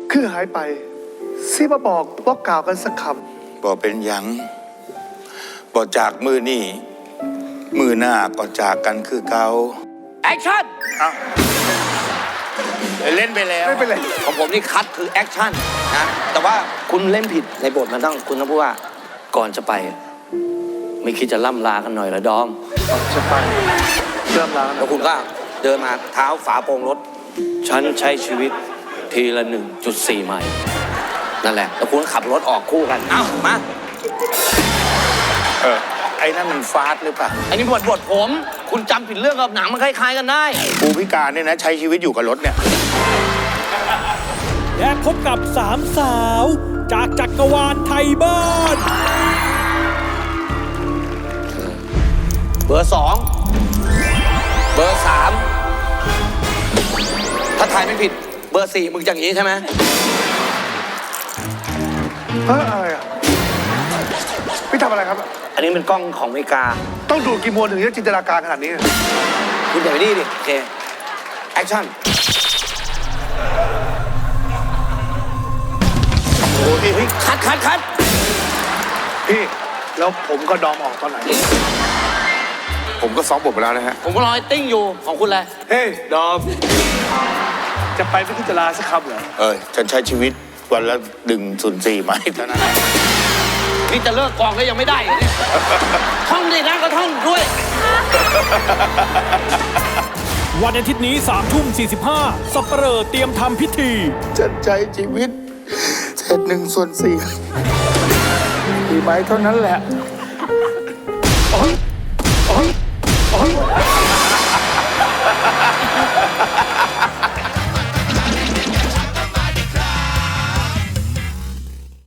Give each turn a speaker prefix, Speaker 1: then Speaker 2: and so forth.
Speaker 1: คือหายไปซิมาบอกว่ากล่าวกันสักค
Speaker 2: บอกเป็นหยังบอกจากมือนี่มือหน้าก็จากกันคือเก่า
Speaker 3: แอคชั่น
Speaker 2: เล่นไปแล้ว
Speaker 1: ำไม่เป็นไร
Speaker 3: ของผมนี่คัดคือแอคชั่นนะแต่ว่าคุณเล่นผิดในบทมันต้องคุณต้องพูดว่าก่อนจะไป ไม่คิดจะล่ำลากันหน่อยเหรอดอม
Speaker 1: จะไปเริ่มแล้ว
Speaker 3: แล้วคุณก็เดินมาเท้าฝาโปร่งรถ ฉันใช้ชีวิตทีละ 1.4 ไมล์นั่นแหละ แล้วคุณก็ขับรถออกคู่กัน เอ้า มา
Speaker 2: ไอ้นั่นมันฟาสหรือเปล่า
Speaker 3: อันนี้บทผม คุณจำผิดเรื่องกับหนังมันคล้ายๆกันได้
Speaker 2: กูพิการเนี่ยนะใช้ชีวิตอยู่กับรถเนี่ย
Speaker 4: และพบกับสามสาวจากจักรวาลไทยบ้าน
Speaker 3: เบอร์ 2 เบอร์ 3 ถ้าทายไม่ผิด เบอร์ 4 มึงอย่างนี้ใช่ไหม
Speaker 1: อะไรอ่ะพี่ทำอะไรครับ
Speaker 3: อันนี้เป็นกล้องของอเมริกา
Speaker 1: ต้องดูกี่โมงถึงจะจินตนาการขนาดนี้
Speaker 3: คุณอย่าไปนี่ดิ โอเค แอคชั่น โอ้ยคัด
Speaker 1: พี่แล้วผมก็ดอมออกตอนไหน
Speaker 2: ผมก็ซ้อมบทไปแล้วนะฮะ
Speaker 3: ผมก็รอไอ้ติ้งอยู่ของคุณเลย
Speaker 1: เฮ้ยดอมจะไปไม่คิดจะลาสักคำเหรอ
Speaker 2: ฉันใช้ชีวิตวันละ1.4 ไมล์เท่านั้น
Speaker 3: นี่จะเลิกกองก็ยังไม่ได้เลยเนี่ย ท่องดินะก็ท่องด้วย
Speaker 4: วันอาทิตย์นี้3:45สัปเหร่อเตรียมทำพิธี
Speaker 2: ฉันใช้ชีวิตเศษ1/4 ไมล์เท่านั้นแหละ
Speaker 1: โอ๊ย